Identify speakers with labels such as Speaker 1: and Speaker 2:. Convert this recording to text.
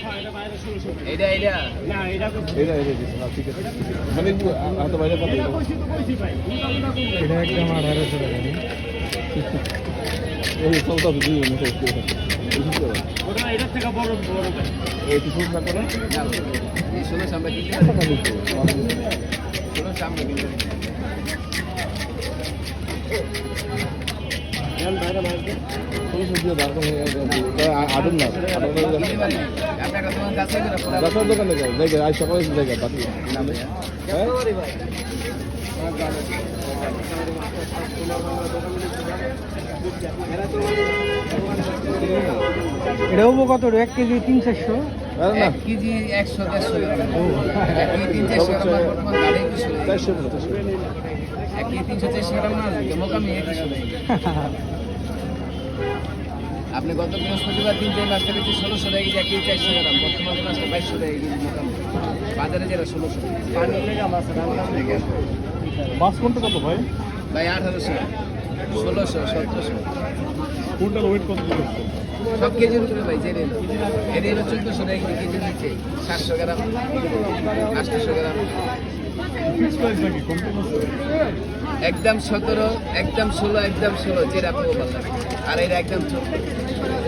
Speaker 1: এটা এটা
Speaker 2: এটা দিচ্ছে না, ঠিক আছে। মানে হাতে বাইরে কত?
Speaker 3: এটা একদম 1800 টাকা।
Speaker 2: এই চলতে হবে 2 মিনিট একটু।
Speaker 1: ওটা এটার থেকে বড় বড় ভাই
Speaker 2: এই কিছু না করে
Speaker 1: এই 16 আমরা কিনতে
Speaker 2: টাকা নিতে
Speaker 1: 16 আমরা কিনতে
Speaker 2: জান বাইরে বাইরে কোন সুবিধা দরকার নেই আদম না
Speaker 1: আপনার কাছে কাছে করে
Speaker 2: রাস্তার দোকানে যাও জায়গা আজ সকালে জায়গা বাকি
Speaker 1: না ভাই
Speaker 2: হ্যাঁ
Speaker 3: এটাও কত 1 কেজি 300।
Speaker 2: আরে না
Speaker 1: 1 কেজি 100 150 গ্রাম 1 কেজি 300 গ্রাম বর্তমান গাড়ি কিছু
Speaker 2: 400
Speaker 1: 1 কেজি 300 গ্রাম না মোকামি 100 আপনি গত বৃহস্পতিবার দিন যে মাছটা বেশি 1600 টাকা কেজি 1 কেজি 400 গ্রাম বর্তমানে মাছটা 2200 টাকা কেজি মোকামি বাজারে যেটা 1600 পানি লেগে মাছ রান্না লেগে
Speaker 2: মাছ কোনটা কত ভাই
Speaker 1: ভাই 1800 1600 1700
Speaker 2: কোনটার ওয়েট কত দিচ্ছে
Speaker 1: সব কেজির উপরে ভাই জেনে এলো 1400 টাকা কেজি নিচ্ছে 700 গ্রাম 800 গ্রাম
Speaker 2: ফিক্স প্রাইস নাকি কম কম আছে
Speaker 1: একদম 17 একদম 16 একদম 16 যেটা আপনি বললেন আর এটা একদম 14